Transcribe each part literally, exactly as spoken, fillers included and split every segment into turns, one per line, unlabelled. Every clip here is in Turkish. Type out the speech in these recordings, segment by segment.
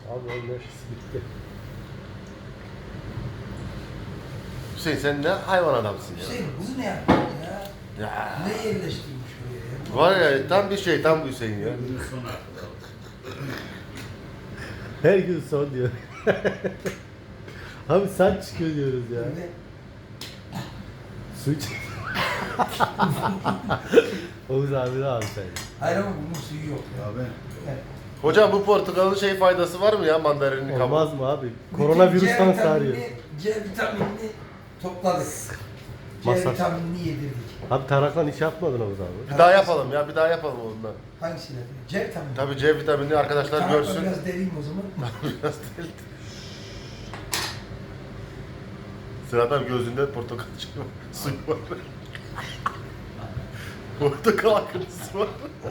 Abi onun nefesi bitti.
Hüseyin sen ne hayvan adamsın ya.
Hüseyin bunu ne yaptın ya?
Ya.
Ne yerleştirmiş buraya ya?
Var ya tam bir şey tam bir Hüseyin ya.
Günün son hakkı.
Her gün son diyor. Abi saç çıkıyor diyoruz ya.
Böyle
Su iç. Oğuz abi ne abi sen?
hayır ama bunun suyu yok ya.
Abi.
Evet.
Hocam bu portakalın şey faydası var mı ya mandalinin kabuğu?
Olmaz mı abi?
Bütün
Koronavirüsten
C
sarıyor.
vitaminini- C vitaminini topladık. C
Masaj.
vitaminini yedirdik.
Abi taraklan iş yapmadın Oğuz abi.
Bir daha yapalım ya bir daha yapalım ondan.
Hangisiyle? C vitamini.
Tabii C vitaminini arkadaşlar
Tarakla
görsün.
biraz deliyim o zaman.
Biraz değil. Sıradan gözünde portakal çıkıyor. Suyu var. Portakal akıntısı var.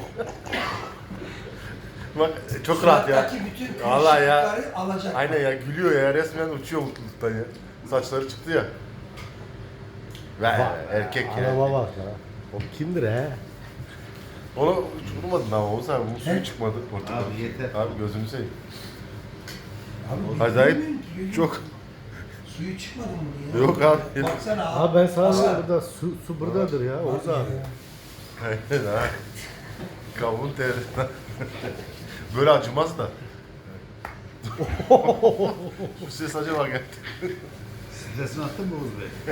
Bak çok rahat ya.
Surattaki bütün
Vallahi ya.
kırışıklıkları alacak.
Aynen ya gülüyor ya resmen uçuyor mutluluktan ya. Saçları çıktı ya. Ve erkek ya.
Araba bak ya. O kimdir he?
Onu hiç vurmadın ama Oğuz abi bu suyu
He?
çıkmadı portakal.
Abi yeter.
Abi gözünü seveyim.
Abi,
Acayip
bilmiyorum ki, gözüm-
çok.
Suyu çıkmadı mı bunun ya?
Yok abi.
Baksana abi.
Abi ben sana
Hasan.
diyorum burada su, su buradadır ya Oğuz abi.
Aynen ha. Kavun teri. Böyle acımaz da. Bu ses acaba geldi.
Stresini attın mı Oğuz Bey?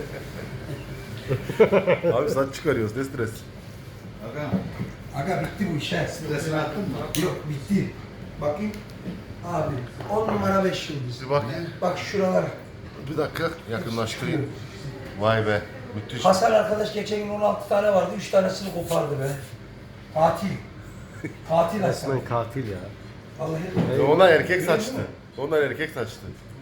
Abi saç çıkarıyoruz ne stres.
Aga.
Aga bitti bu iş he.
Stresini attın mı?
Yok bitti. Bakayım. Abi on numara beş yıldız.
Bir bak.
Bak şuralara.
Bir dakika yakınlaştırayım. Vay be. Müthiş.
Hasan arkadaş geçen gün on altı tane vardı. üç tanesini kopardı be. Katil. Katil Hasan.
Resmen katil ya.
Vallahi.
Onlar erkek saçtı. Onlar erkek saçtı.